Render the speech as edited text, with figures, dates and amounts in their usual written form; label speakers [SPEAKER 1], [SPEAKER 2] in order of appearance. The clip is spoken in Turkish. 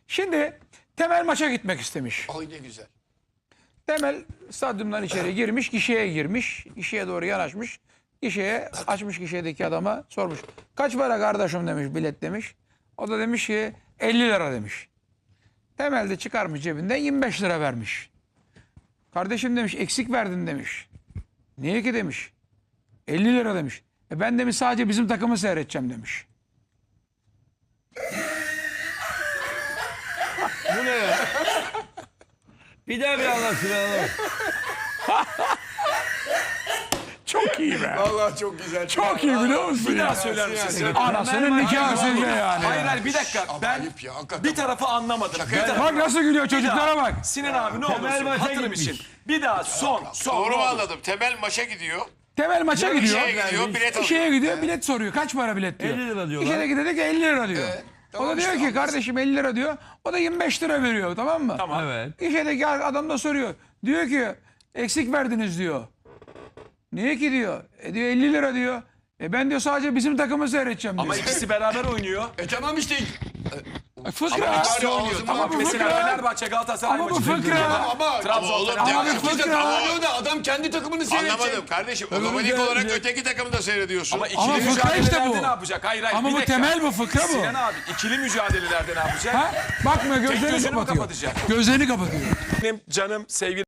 [SPEAKER 1] Şimdi Temel maça gitmek istemiş.
[SPEAKER 2] Ay ne güzel.
[SPEAKER 1] Temel stadyumdan içeri girmiş, gişeye girmiş. Gişeye doğru yanaşmış. Gişeye açmış, gişedeki adama sormuş. Kaç para kardeşim demiş, bilet demiş. O da demiş ki 50 lira demiş. Temel de çıkarmış cebinden 25 lira vermiş. Kardeşim demiş eksik verdin demiş. Niye ki demiş. 50 lira demiş. Ben demiş sadece bizim takımı seyredeceğim demiş.
[SPEAKER 3] Bu ne ya? Bir daha bir anlatsın anlamadım.
[SPEAKER 1] Çok iyi be.
[SPEAKER 2] Vallahi çok güzel.
[SPEAKER 1] Çok iyi biliyor musun
[SPEAKER 4] Bir
[SPEAKER 1] ya?
[SPEAKER 4] daha söyler misin?
[SPEAKER 1] Anasının nikahı sizde yani.
[SPEAKER 4] Hayır hayır bir dakika. Ben
[SPEAKER 2] Ayıp ya, hakikaten.
[SPEAKER 4] bir tarafı anlamadım. Bir tarafı-
[SPEAKER 1] Bak nasıl gülüyor çocuklara bak.
[SPEAKER 4] Sinan abi ne olursun
[SPEAKER 3] maça
[SPEAKER 4] hatırım
[SPEAKER 3] gitmiş.
[SPEAKER 4] için. Bir daha son.
[SPEAKER 2] Doğru
[SPEAKER 4] ne
[SPEAKER 2] mu
[SPEAKER 4] olur.
[SPEAKER 2] anladım? Temel maça gidiyor.
[SPEAKER 1] Temel maça gidiyor.
[SPEAKER 2] Şeye gidiyor, bilet alıyor.
[SPEAKER 1] Şeye gidiyor, bilet soruyor. Kaç para bilet diyor.
[SPEAKER 3] 50 lira diyorlar.
[SPEAKER 1] İşe de ki 50 lira diyor. O
[SPEAKER 2] tamam
[SPEAKER 1] da diyor
[SPEAKER 2] işte,
[SPEAKER 1] ki kardeşim 50 lira diyor. O da 25 lira veriyor, tamam mı?
[SPEAKER 4] Tamam.
[SPEAKER 3] Evet.
[SPEAKER 1] İşedeki adam da soruyor. Diyor ki eksik verdiniz diyor. Niye ki diyor. Diyor 50 lira diyor. Ben diyor sadece bizim takımı seyredeceğim diyor.
[SPEAKER 4] Ama ikisi beraber oynuyor.
[SPEAKER 2] Tamam işte.
[SPEAKER 1] Fıkra.
[SPEAKER 2] Bari
[SPEAKER 1] Ama
[SPEAKER 2] ağzımdan
[SPEAKER 1] bu
[SPEAKER 4] Mesela
[SPEAKER 1] fıkra.
[SPEAKER 4] Fenerbahçe Galatasaray
[SPEAKER 1] Ama bu
[SPEAKER 4] maçı.
[SPEAKER 1] fıkra.
[SPEAKER 2] Ama
[SPEAKER 4] Trabzon,
[SPEAKER 2] oğlum
[SPEAKER 4] Fenerbahçe.
[SPEAKER 2] demek ki
[SPEAKER 1] fıkra.
[SPEAKER 2] tamamlıyor da adam kendi takımını seyredecek.
[SPEAKER 5] Anlamadım kardeşim. Otomatik olarak öteki takımı da seyrediyorsun.
[SPEAKER 4] Ama
[SPEAKER 1] Ama
[SPEAKER 4] ikili
[SPEAKER 1] fıkra işte
[SPEAKER 4] mücadelelerde
[SPEAKER 1] bu.
[SPEAKER 4] ne yapacak? Hayır hayır
[SPEAKER 1] Ama
[SPEAKER 4] bir
[SPEAKER 1] bu
[SPEAKER 4] dakika.
[SPEAKER 1] temel bu, fıkra bu.
[SPEAKER 4] Sinan abi ikili mücadelelerde ne yapacak?
[SPEAKER 1] Ha? Bakmıyor, gözlerini
[SPEAKER 4] gözünü mü
[SPEAKER 1] kapatıyor.
[SPEAKER 4] kapatacak?
[SPEAKER 1] Gözlerini kapatıyor.
[SPEAKER 4] Benim canım sevgili